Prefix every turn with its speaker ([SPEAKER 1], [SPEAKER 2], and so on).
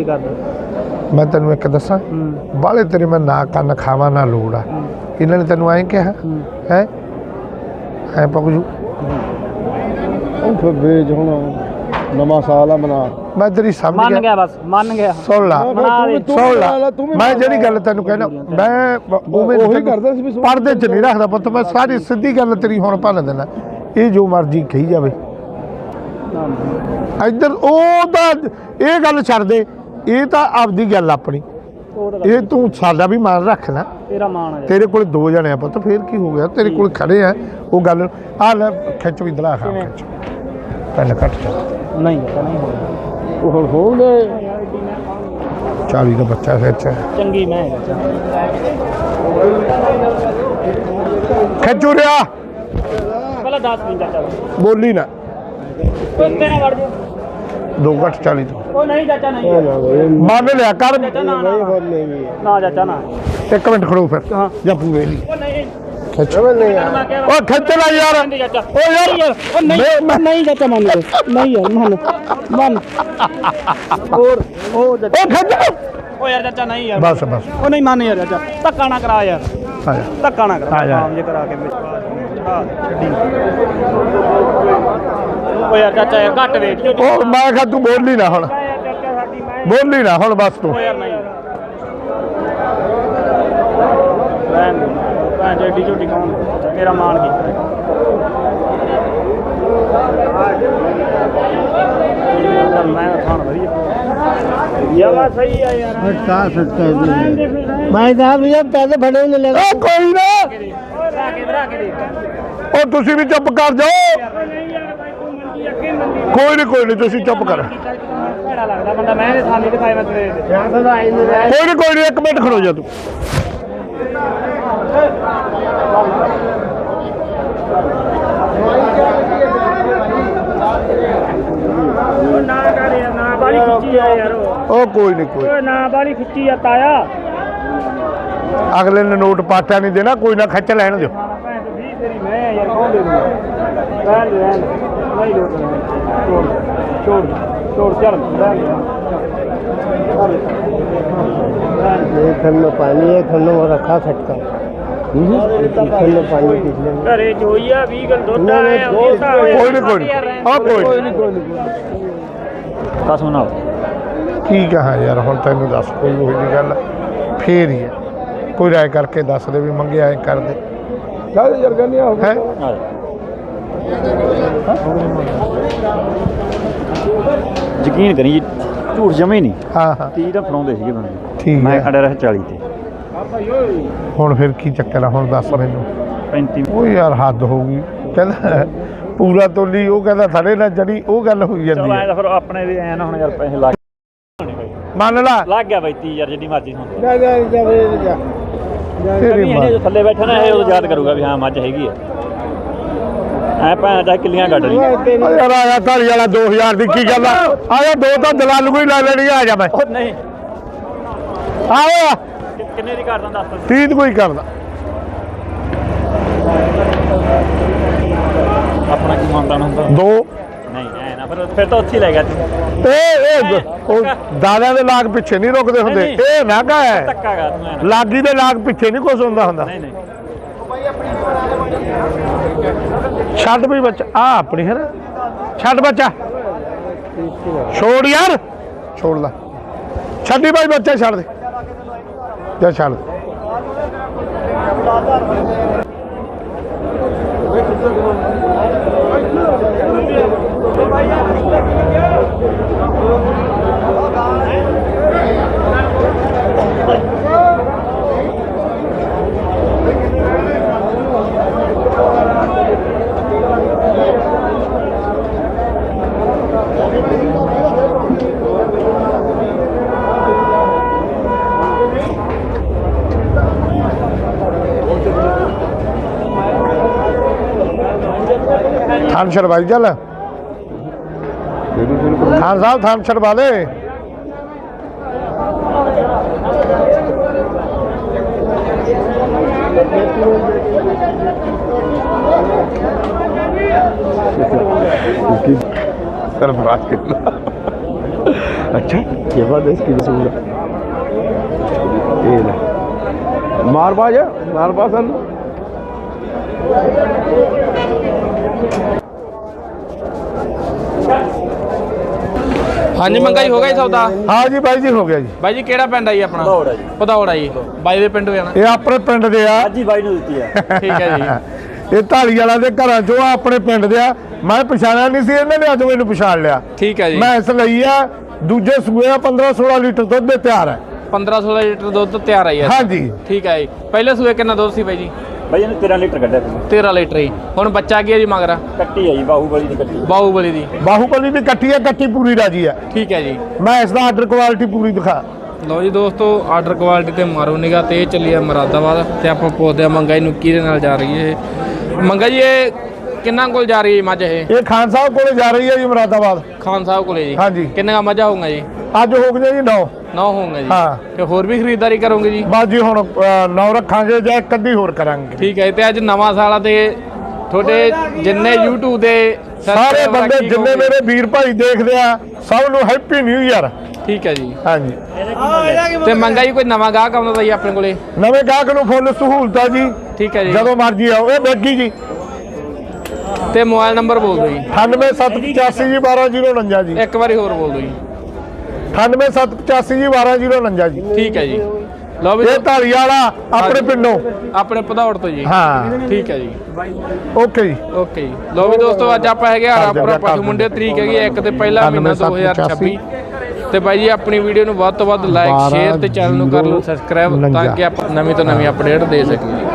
[SPEAKER 1] कर दो।
[SPEAKER 2] मैं तेन एक दसा बाले तेरे मैं ना कन्न खावा ना लोड़ आ इन्होंने तेन ऐ कहा है ऐ पकजू
[SPEAKER 3] बेच हूँ नवा साल है मना
[SPEAKER 2] मैं तेरी समझ
[SPEAKER 1] मन गया बस मन गया
[SPEAKER 2] सुन ला सुन ला मैं ਜਿਹੜੀ ਗੱਲ ਤੈਨੂੰ ਕਹਿਣਾ ਮੈਂ
[SPEAKER 3] ਉਹੀ ਕਰਦਾ ਸੀ
[SPEAKER 2] ਪਰਦੇ 'ਚ ਨਹੀਂ ਰੱਖਦਾ ਪੁੱਤ ਮੈਂ ਸਾਰੀ ਸਿੱਧੀ ਗੱਲ ਤੇਰੀ ਹੁਣ ਭੰਨ ਦੇਣਾ ਇਹ ਜੋ ਮਰਜ਼ੀ ਕਹੀ ਜਾਵੇ ਇੱਧਰ ਉਹ ਤਾਂ ਇਹ ਗੱਲ ਛੱਡ ਦੇ ਇਹ ਤਾਂ ਆਪਦੀ ਗੱਲ ਆਪਣੀ ਇਹ ਤੂੰ ਸਾਡਾ ਵੀ ਮਾਨ ਰੱਖ ਨਾ
[SPEAKER 1] तेरा मान है
[SPEAKER 2] ਤੇਰੇ ਕੋਲ ਦੋ ਜਣੇ ਆ ਪੁੱਤ ਫੇਰ ਕੀ ਹੋ ਗਿਆ ਤੇਰੇ ਕੋਲ ਖੜੇ ਆ ਉਹ ਗੱਲ ਆ ਲੈ ਖਿੱਚ ਵੀ ਦਲਾ ਖਾ ਖਿੱਚ ਪੈਨ ਕੱਟ ਜਾ
[SPEAKER 1] नहीं हो
[SPEAKER 3] ਉਹ ਹੋਣਗੇ
[SPEAKER 2] 40 ਦਾ ਬੱਚਾ ਖਿੱਚ
[SPEAKER 1] चंगी मैं है
[SPEAKER 2] ਖਿੱਚੂ ਰਿਆ
[SPEAKER 1] पहले 10 मिनट चाचा
[SPEAKER 2] ਬੋਲੀ ਨਾ
[SPEAKER 1] तेरे वड़ जो
[SPEAKER 2] 2 ਘੱਟ 40 ਤੋਂ
[SPEAKER 1] ओ नहीं चाचा नहीं
[SPEAKER 2] ਮੰਨ ਲਿਆ ਕਰ
[SPEAKER 1] ना चाचा ना
[SPEAKER 2] 1 ਮਿੰਟ ਖੜੋ ਫਿਰ
[SPEAKER 1] हाँ
[SPEAKER 2] ਜਾਂ ਪੂਰੇ ਨਹੀਂ
[SPEAKER 1] ओ नहीं
[SPEAKER 2] ਖਿੱਚ
[SPEAKER 1] मैं
[SPEAKER 2] ਉਹ ਖਿੱਚ ਲੈ ਯਾਰ
[SPEAKER 1] चाचा
[SPEAKER 2] ਓ ਯਾਰ
[SPEAKER 1] ओ नहीं चाचा मान लो नहीं यार मान और ओ
[SPEAKER 2] ਉਹ ਖਿੱਚ
[SPEAKER 1] ओ यार चाचा नहीं यार
[SPEAKER 2] ਬਸ ਬਸ
[SPEAKER 1] ओ नहीं मान यार चाचा धक्का ना करा यार
[SPEAKER 2] ਆ ਜਾ
[SPEAKER 1] धक्का ना करा
[SPEAKER 2] आ जा।
[SPEAKER 1] काम जे करा के छड्डी ओ यार चाचा यार घट वेट जो
[SPEAKER 2] ਉਹ ਮੈਂ ਕਿਹਾ ਤੂੰ ਬੋਲੀ ਨਾ ਹੁਣ
[SPEAKER 1] चाचा साडी मैं
[SPEAKER 2] ਬੋਲੀ ਨਾ ਹੁਣ ਬਸ ਤੂੰ
[SPEAKER 1] ओ यार नहीं रहन दे भैन जेडी झोटी कौन तेरा मान की मैं खान वधिया या बात सही है यार
[SPEAKER 3] ਮੈਂ ਤਾਂ ਭਈਆ ਪੈਸੇ ਫੜੇ ਨਹੀਂ ਲੈ
[SPEAKER 2] ਓ ਕੋਈ ਨਾ
[SPEAKER 1] रा के दे
[SPEAKER 2] ਉਹ ਤੁਸੀਂ ਵੀ ਚੁੱਪ ਕਰ ਜਾਓ
[SPEAKER 1] नहीं यार भाई तू मंडी अगे मंडी
[SPEAKER 2] ਕੋਈ ਨਹੀਂ ਤੁਸੀਂ ਚੁੱਪ ਕਰ
[SPEAKER 1] ਭੈੜਾ ਲੱਗਦਾ ਬੰਦਾ ਮੈਂ ਤੇ ਥਾਲੀ ਦਿਖਾਏ ਮੈਂ ਤੇਰੇ
[SPEAKER 2] ਕੋਈ ਨਹੀਂ 1 ਮਿੰਟ ਖੜੋ ਜਾ ਤੂੰ
[SPEAKER 1] ਨਾ ਕਰ ਯਾਰ ਨਾ ਬਾਲੀ ਖਿੱਚੀ ਆ ਯਾਰ
[SPEAKER 2] ਉਹ ਕੋਈ ਨਹੀਂ ਕੋਈ
[SPEAKER 1] ਓਏ ਨਾ ਬਾਲੀ ਖਿੱਚੀ ਆ ਤਾਇਆ
[SPEAKER 2] ਅਗਲੇ ਨੇ ਨੋਟ ਪਾਟਾ ਨਹੀਂ ਦੇਣਾ ਕੋਈ ਨਾ ਖੱਚ ਲੈਣ ਦਿਓ
[SPEAKER 1] ਭੈਣ ਤੇ 20 ਤੇਰੀ ਮੈਂ ਆ ਯਾਰ ਕੌਣ ਦੇ ਦੂੰਗਾ ਰਹਿਣ ਦੇ ਨਹੀਂ ਲੋਟ ਛੋੜ ਛੋੜ ਚੱਲ ਰਹਿਣ
[SPEAKER 3] ये खन में पानी है खन में रखा खटका खन में पानी पिछले में
[SPEAKER 1] ਘਰੇ ਜੋਈਆ 20 ਗਲ ਦੁੱਧ ਆਇਆ
[SPEAKER 2] ਕੋਈ ਨਹੀਂ ਆ ਕੋਈ ਨਹੀਂ
[SPEAKER 1] ਕਸ ਸੁਣਾਓ
[SPEAKER 2] ਕੀ ਕਹਾਂ ਯਾਰ ਹੁਣ ਤੈਨੂੰ ਦੱਸ ਕੋਈ ਉਹੀ ਜਿਹੀ ਗੱਲ ਫੇਰ ਹੀ ਹੈ ਕੋਈ ਰਾਏ ਕਰਕੇ ਦੱਸ ਦੇ ਵੀ ਮੰਗਿਆ ਐ ਕਰ ਦੇ
[SPEAKER 3] ਚੱਲ ਯਾਰ ਕਹਿੰਦੇ ਆ
[SPEAKER 2] ਹੈ
[SPEAKER 4] ਯਕੀਨ ਕਰੀ ਜੀ ਝੂਠ ਜਮੇ ਨਹੀਂ
[SPEAKER 2] ਹਾਂ ਹਾਂ
[SPEAKER 4] 30 ਦਾ ਫੜਾਉਂਦੇ ਸੀਗੇ ਬੰਦੇ
[SPEAKER 2] ਠੀਕ
[SPEAKER 4] ਮੈਂ
[SPEAKER 2] ਹੈ
[SPEAKER 4] ਅੜਾ ਰਿਹਾ 40 ਤੇ
[SPEAKER 2] ਹੁਣ ਫਿਰ ਕੀ ਚੱਕਰ ਆ ਹੁਣ ਦੱਸ ਮੈਨੂੰ
[SPEAKER 4] 35
[SPEAKER 2] ਉਹ ਯਾਰ ਹੱਦ ਹੋ ਗਈ ਕਹਿੰਦਾ ਪੂਰਾ ਤੋਲੀ ਉਹ ਕਹਿੰਦਾ ਥੜੇ ਨਾਲ ਜੜੀ ਉਹ ਗੱਲ ਹੋਈ ਜਾਂਦੀ
[SPEAKER 4] ਚਲੋ ਐ
[SPEAKER 2] ਹੈ
[SPEAKER 4] ਤਾਂ ਫਿਰ ਆਪਣੇ ਵੀ ਐ ਨਾ ਹੁਣ ਯਾਰ ਪੈਸੇ ਲੱਗ
[SPEAKER 2] ਮੰਨ ਲਾ
[SPEAKER 4] ਲੱਗ ਗਿਆ ਬਾਈ 30 ਯਾਰ ਜਿੱਡੀ ਮਰਜ਼ੀ ਹੁਣ
[SPEAKER 3] ਜਾ ਜਾ
[SPEAKER 2] ਤੇਰੀ
[SPEAKER 4] ਵੀ
[SPEAKER 2] ਮਾਂ
[SPEAKER 4] ਇਹਨੇ ਜੋ ਥੱਲੇ ਬੈਠਾ ਨਾ ਇਹ ਉਦੋਂ ਯਾਦ ਕਰੂਗਾ ਵੀ ਹਾਂ ਮੱਝ ਹੈਗੀ ਆ ਐ ਭੈਣ ਚਾਹੇ ਕਿੱਲੀਆਂ ਕੱਢ ਲਈ
[SPEAKER 2] ਓ ਯਾਰ ਆਇਆ ਢਾਲੀ ਵਾਲਾ 2000 ਦੀ ਕੀ ਗੱਲ ਆ ਆਇਆ ਦੋ ਤਾਂ ਦਲਾਲ ਕੋਈ ਲੈ ਲੈਣੀ ਆ ਜਾ ਮੈਂ
[SPEAKER 4] ਉਹ ਨਹੀਂ
[SPEAKER 2] ਆਇਆ
[SPEAKER 4] ਕਿੰਨੇ ਦੀ ਕਰਦਾ ਦੱਸ
[SPEAKER 2] 30 ਕੋਈ ਕਰਦਾ
[SPEAKER 4] ਆਪਣਾ ਕੀ ਮੰਨਦਾ ਹੁੰਦਾ
[SPEAKER 2] ਦੋ
[SPEAKER 4] ਨਹੀਂ ਐ ਨਾ ਫਿਰ ਤਾਂ ਉੱਥੇ ਹੀ ਲੈ ਗਿਆ ਤੂੰ
[SPEAKER 2] ਇਹ ਉਹ ਦਾਦਿਆਂ ਦੇ ਲਾਗ ਪਿੱਛੇ ਨਹੀਂ ਰੁਕਦੇ ਹੁੰਦੇ
[SPEAKER 4] ਨਹੀਂ।
[SPEAKER 2] ਇਹ ਨਾਗਾ ਹੈ
[SPEAKER 4] ਧੱਕਾ ਕਰ ਤੂੰ ਐ ਨਾ।
[SPEAKER 2] ਲਾਗੀ ਦੇ ਲਾਗ ਪਿੱਛੇ ਨਹੀਂ ਕੁਛ ਹੁੰਦਾ ਹੁੰਦਾ
[SPEAKER 4] ਨਹੀਂ ਨਹੀਂ
[SPEAKER 2] ਛੱਡ ਵੀ ਬੱਚਾ ਆ ਆਪਣੀ ਹੈ ਨਾ ਛੱਡ ਬੱਚਾ ਛੋੜ ਯਾਰ ਛੋੜ ਲਾ ਛੱਡੀ ਬਾਈ ਬੱਚਾ ਛੱਡ ਦੇ ਜਾ ਛੱਡ ਦੇ थान छड़वाई चल खान साहब थान छड़वा ले सरफराज अच्छा
[SPEAKER 3] जबरदस्त की रसूल ये ले
[SPEAKER 2] मारबाज है मारबाज सन
[SPEAKER 5] ਹਾਂਜੀ ਮੰਗਾਈ ਹੋ ਗਿਆ ਜੀ ਸੌਦਾ
[SPEAKER 2] हाँ जी भाई जी हो गया जी
[SPEAKER 5] ਬਾਈ ਜੀ ਕਿਹੜਾ ਪਿੰਡ ਆ ਜੀ ਆਪਣਾ
[SPEAKER 4] ਭਦੌੜ ਆ ਜੀ।
[SPEAKER 5] ਭਦੌੜ ਆ ਜੀ ਬਾਈ ਦੇ ਪਿੰਡ ਜਾਣਾ
[SPEAKER 2] ये अपने पिंड दे आ
[SPEAKER 4] ਅੱਜ ਹੀ ਬਾਈ ਨੂੰ ਦਿੱਤੀ ਆ
[SPEAKER 5] ਠੀਕ ਹੈ ਜੀ
[SPEAKER 2] ਇਹ ਢਾਲੀ ਵਾਲਾ ਦੇ ਘਰਾਂ ਚੋਂ ਆ ਆਪਣੇ ਪਿੰਡ ਦੇ ਆ ਮੈਂ ਪਛਾਣਿਆ ਨਹੀਂ ਸੀ ਇਹਨਾਂ ਨੇ ਅੱਜ ਮੈਨੂੰ ਪਛਾਣ ਲਿਆ
[SPEAKER 5] ਠੀਕ ਹੈ ਜੀ
[SPEAKER 2] ਮੈਂ ਇਸ ਲਈ ਆ ਦੂਜੇ ਸੂਏ ਆ 15-16 ਲੀਟਰ ਦੁੱਧ ਦੇ ਤਿਆਰ ਹੈ
[SPEAKER 5] 15-16 ਲੀਟਰ ਦੁੱਧ ਤਿਆਰ ਆਈ ਹੈ
[SPEAKER 2] ਹਾਂਜੀ
[SPEAKER 5] ਠੀਕ ਹੈ ਜੀ ਪਹਿਲੇ ਸੂਏ ਕਿੰਨਾ ਦੁੱਧ ਸੀ ਬਾਈ ਜੀ
[SPEAKER 4] ਬਾਈ ਇਹਨੇ 13 ਲੀਟਰ ਕੱਢਿਆ ਸੀ
[SPEAKER 5] 13 ਲੀਟਰ ਜੀ ਹੁਣ ਬੱਚਾ ਕੀ ਹੈ ਜੀ ਮਗਰਾ
[SPEAKER 4] ਕੱਟੀ ਆ ਜੀ ਬਾਹੂਬਲੀ ਦੀ ਕੱਟੀ
[SPEAKER 5] ਬਾਹੂਬਲੀ ਦੀ
[SPEAKER 2] ਬਾਹੂਬਲੀ ਦੀ ਕੱਟੀ ਹੈ ਕੱਟੀ ਪੂਰੀ ਰਾਜੀ ਹੈ
[SPEAKER 5] ਠੀਕ ਹੈ ਜੀ
[SPEAKER 2] ਮੈਂ ਇਸ ਦਾ ਆਰਡਰ ਕੁਆਲਿਟੀ ਪੂਰੀ ਦਿਖਾ
[SPEAKER 5] ਲਓ ਜੀ ਦੋਸਤੋ ਆਰਡਰ ਕੁਆਲਿਟੀ ਤੇ ਮਾਰੋ ਨਿਗਾ ਤੇ ਇਹ ਚੱਲੀ ਆ ਮੁਰਾਦਾਬਾਦ ਤੇ ਆਪਾਂ ਪੁੱਛਦੇ ਆ ਮੰਗਾ ਨੂੰ ਕਿਹਦੇ ਨਾਲ ਜਾ ਰਹੀ ਹੈ ਇਹ ਮੰਗਾ ਜੀ ਇਹ ਕਿੰਨਾ ਕੋਲ ਜਾ ਰਹੀ ਹੈ ਮੱਝ ਇਹ
[SPEAKER 2] ਖਾਨ ਸਾਹਿਬ ਕੋਲੇ ਜਾ ਰਹੀ ਹੈ ਜੀ ਮੁਰਾਦਾਬਾਦ
[SPEAKER 5] ਖਾਨ ਸਾਹਿਬ ਕੋਲੇ ਜੀ
[SPEAKER 2] ਹਾਂਜੀ।
[SPEAKER 5] ਕਿੰਨਾ ਮੱਝਾਂ ਹੋਊਗਾ ਜੀ
[SPEAKER 2] ਅੱਜ ਹੋ ਗਏ ਜੀ 9
[SPEAKER 5] 9 ਹੋਊਗਾ ਜੀ
[SPEAKER 2] ਹਾਂ।
[SPEAKER 5] ਤੇ ਹੋਰ ਵੀ ਖਰੀਦਦਾਰੀ ਕਰੋਗੇ ਜੀ
[SPEAKER 2] ਬਸ ਜੀ ਹੁਣ 9 ਰੱਖਾਂਗੇ ਜਾਂ ਇੱਕ ਅੱਧੀ ਹੋਰ ਕਰਾਂਗੇ
[SPEAKER 5] ਠੀਕ ਹੈ ਤੇ ਅੱਜ ਨਵਾਂ ਸਾਲ ਆ ਤੇ ਤੁਹਾਡੇ ਜਿੰਨੇ YouTube ਦੇ
[SPEAKER 2] ਸਾਰੇ
[SPEAKER 5] subscriber
[SPEAKER 2] ਬੰਦੇ
[SPEAKER 5] ਕੀ
[SPEAKER 2] ਜਿੰਨੇ
[SPEAKER 5] ਕਹੋਗੇ?
[SPEAKER 2] ਮੇਰੇ ਵੀਰ ਭਾਈ ਦੇਖਦੇ ਆ ਸਭ ਨੂੰ ਹੈਪੀ ਨਿਊ ਇਅਰ
[SPEAKER 5] ਠੀਕ ਹੈ ਜੀ
[SPEAKER 2] ਹਾਂਜੀ
[SPEAKER 5] ਤੇ ਮੰਗਾ ਜੀ ਕੋਈ ਨਵਾਂ ਗਾਹਕ ਆਉਂਦਾ ਤਾਂ ਜੀ ਆਪਣੇ ਕੋਲੇ
[SPEAKER 2] ਨਵੇਂ ਗਾਹਕ ਨੂੰ ਫੁੱਲ ਸਹੂਲਤ ਆ ਜੀ
[SPEAKER 5] ਠੀਕ ਹੈ ਜੀ
[SPEAKER 2] ਜਦੋਂ ਮਰਜ਼ੀ ਆਓ ਇਹ ਬੈਗੀ ਜੀ
[SPEAKER 5] ਤੇ ਮੋਬਾਈਲ ਨੰਬਰ ਬੋਲ ਦਿਓ ਜੀ
[SPEAKER 2] 9875 ਜੀ 12049 ਜੀ
[SPEAKER 5] ਇੱਕ ਵਾਰੀ ਹੋਰ ਬੋਲ ਦਿਓ ਜੀ
[SPEAKER 2] 9875 ਜੀ 12049 ਜੀ
[SPEAKER 5] ਠੀਕ ਹੈ ਜੀ ਲਓ ਵੀ
[SPEAKER 2] ਇਹ ਢਾਲੀ ਵਾਲਾ ਆਪਣੇ ਪਿੰਡੋਂ
[SPEAKER 5] ਆਪਣੇ ਭਦੌੜ ਤੋਂ ਜੀ
[SPEAKER 2] ਹਾਂ
[SPEAKER 5] ਠੀਕ ਹੈ ਜੀ
[SPEAKER 2] ਓਕੇ ਜੀ
[SPEAKER 5] ਓਕੇ ਜੀ ਲਓ ਵੀ ਦੋਸਤੋ ਅੱਜ ਆਪਾਂ ਹੈਗੇ ਹਰਾਪੁਰਾ ਪਸ਼ੂ ਮੁੰਡੇ ਤਰੀਕ ਹੈਗੀ 1 ਤੇ ਪਹਿਲਾ ਮਹੀਨਾ 2026 ਤੇ ਬਾਈ ਜੀ ਆਪਣੀ ਵੀਡੀਓ ਨੂੰ ਵੱਧ ਤੋਂ ਵੱਧ ਲਾਈਕ ਸ਼ੇਅਰ ਤੇ ਚੈਨਲ ਨੂੰ ਕਰ ਲਓ ਸਬਸਕ੍ਰਾਈਬ ਤਾਂ ਕਿ ਆਪਾਂ ਨਵੀਂ ਤੋਂ ਨਵੀਂ ਅਪਡੇਟ ਦੇ ਸਕੀਏ